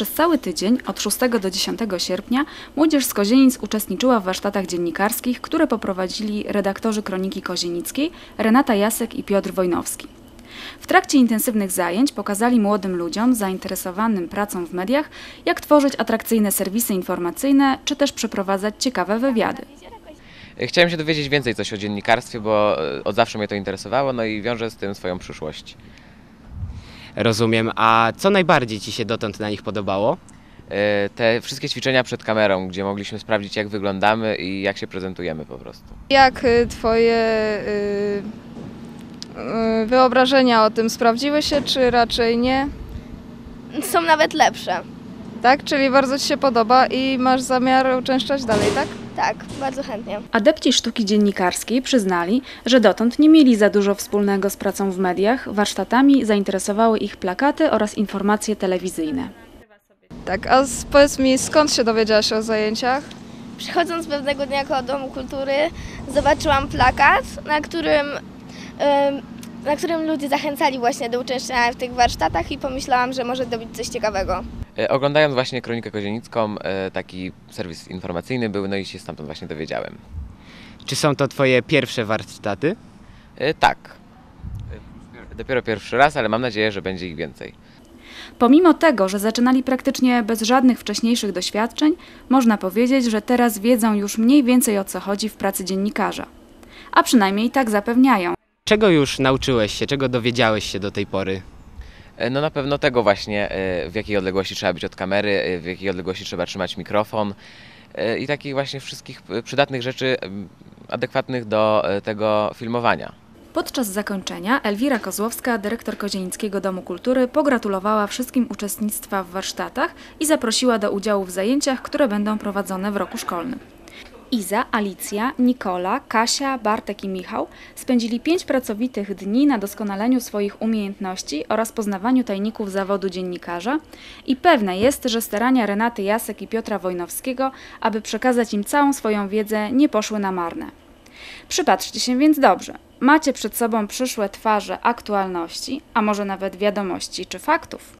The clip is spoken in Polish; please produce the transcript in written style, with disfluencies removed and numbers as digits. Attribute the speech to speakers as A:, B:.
A: Przez cały tydzień, od 6 do 10 sierpnia, młodzież z Kozienic uczestniczyła w warsztatach dziennikarskich, które poprowadzili redaktorzy Kroniki Kozienickiej Renata Jasek i Piotr Wojnowski. W trakcie intensywnych zajęć pokazali młodym ludziom zainteresowanym pracą w mediach, jak tworzyć atrakcyjne serwisy informacyjne, czy też przeprowadzać ciekawe wywiady.
B: Chciałem się dowiedzieć więcej coś o dziennikarstwie, bo od zawsze mnie to interesowało, no i wiążę z tym swoją przyszłość.
C: Rozumiem. A co najbardziej Ci się dotąd na nich podobało?
B: Te wszystkie ćwiczenia przed kamerą, gdzie mogliśmy sprawdzić, jak wyglądamy i jak się prezentujemy po prostu.
D: Jak Twoje wyobrażenia o tym sprawdziły się, czy raczej nie?
E: Są nawet lepsze.
D: Tak? Czyli bardzo Ci się podoba i masz zamiar uczęszczać dalej, tak?
E: Tak, bardzo chętnie.
A: Adepci sztuki dziennikarskiej przyznali, że dotąd nie mieli za dużo wspólnego z pracą w mediach. Warsztatami zainteresowały ich plakaty oraz informacje telewizyjne.
D: Tak, a powiedz mi, skąd się dowiedziałaś o zajęciach?
E: Przychodząc pewnego dnia koło Domu Kultury, zobaczyłam plakat, na którym ludzie zachęcali właśnie do uczęszczania w tych warsztatach i pomyślałam, że może to być coś ciekawego.
B: Oglądając właśnie Kronikę Kozienicką, taki serwis informacyjny był, no i się stamtąd właśnie dowiedziałem.
C: Czy są to Twoje pierwsze warsztaty?
B: Tak. Dopiero pierwszy raz, ale mam nadzieję, że będzie ich więcej.
A: Pomimo tego, że zaczynali praktycznie bez żadnych wcześniejszych doświadczeń, można powiedzieć, że teraz wiedzą już mniej więcej, o co chodzi w pracy dziennikarza. A przynajmniej tak zapewniają.
C: Czego już nauczyłeś się, czego dowiedziałeś się do tej pory?
B: No na pewno tego właśnie, w jakiej odległości trzeba być od kamery, w jakiej odległości trzeba trzymać mikrofon i takich właśnie wszystkich przydatnych rzeczy adekwatnych do tego filmowania.
A: Podczas zakończenia Elwira Kozłowska, dyrektor Kozienickiego Domu Kultury, pogratulowała wszystkim uczestnictwa w warsztatach i zaprosiła do udziału w zajęciach, które będą prowadzone w roku szkolnym. Iza, Alicja, Nikola, Kasia, Bartek i Michał spędzili 5 pracowitych dni na doskonaleniu swoich umiejętności oraz poznawaniu tajników zawodu dziennikarza i pewne jest, że starania Renaty Jasek i Piotra Wojnowskiego, aby przekazać im całą swoją wiedzę, nie poszły na marne. Przypatrzcie się więc dobrze. Macie przed sobą przyszłe twarze aktualności, a może nawet wiadomości czy faktów.